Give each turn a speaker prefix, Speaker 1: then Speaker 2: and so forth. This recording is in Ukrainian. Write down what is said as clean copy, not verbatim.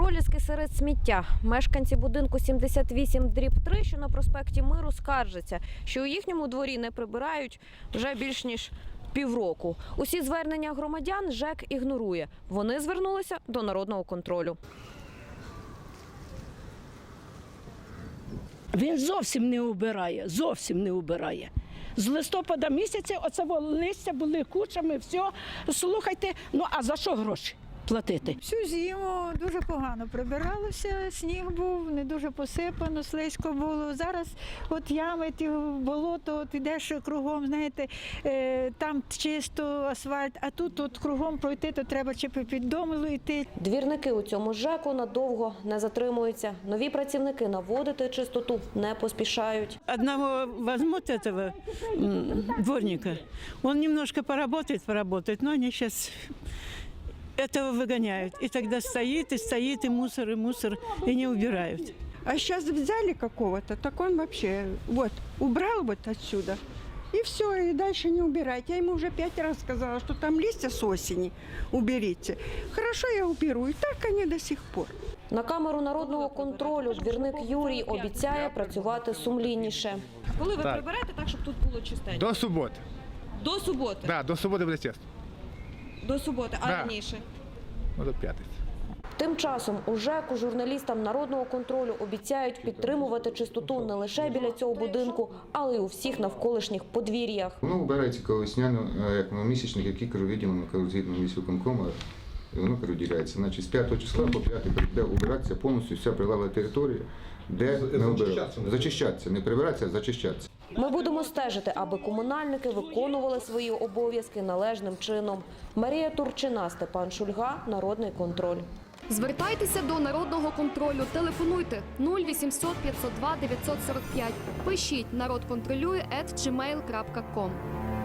Speaker 1: Проліски серед сміття. Мешканці будинку 78/3, що на проспекті Миру, скаржаться, що у їхньому дворі не прибирають вже більш ніж півроку. Усі звернення громадян ЖЕК ігнорує. Вони звернулися до народного контролю.
Speaker 2: Він зовсім не убирає, зовсім не убирає. З листопада місяця оце листя були кучами, все. Слухайте, ну а за що гроші платити?
Speaker 3: Всю зиму дуже погано прибиралося, сніг був, не дуже посипано, слизько було. Зараз от ями, ті болото, от ідеш кругом, знаєте, там чисто асфальт, а тут от кругом пройти, то треба чи під домилу йти.
Speaker 1: Двірники у цьому ЖЕКу надовго не затримуються. Нові працівники наводити чистоту не поспішають.
Speaker 4: Одного возьмут этого дворника, он немножко поработает, но они сейчас этого выгоняют. И тогда стоит, и мусор, и не убирают.
Speaker 5: А сейчас взяли какого-то, так он вообще вот убрал вот отсюда. И все, и дальше не убирать. Я ему уже 5 раз сказала, что там листья с осени уберите. Хорошо, я уберу. И так они до сих пор.
Speaker 1: На камеру народного контролю двірник Юрій обіцяє працювати сумлінніше.
Speaker 6: Коли ви приберете так, щоб тут було чистенько?
Speaker 7: До суботи.
Speaker 6: До суботи?
Speaker 7: Так, до суботи буде чесно.
Speaker 6: До суботи, а раніше?
Speaker 7: Ну, до п'ятниці.
Speaker 1: Тим часом у ЖЕКу журналістам народного контролю обіцяють підтримувати чистоту не лише біля цього будинку, але й у всіх навколишніх подвір'ях.
Speaker 8: Воно вбирається весняно, як місячник, які виділено згідно міськвиконкому, і воно переділяється. Значить, з 5 числа по 5 буде убиратися повністю вся прилегла територія, де ми обираємо. Зачищатися, не прибиратися, а зачищатися.
Speaker 1: Ми будемо стежити, аби комунальники виконували свої обов'язки належним чином. Марія Турчина, Степан Шульга, Народний контроль.
Speaker 9: Звертайтеся до народного контролю. Телефонуйте 0800 502 945. Пишіть «Народ контролює» @gmail.com.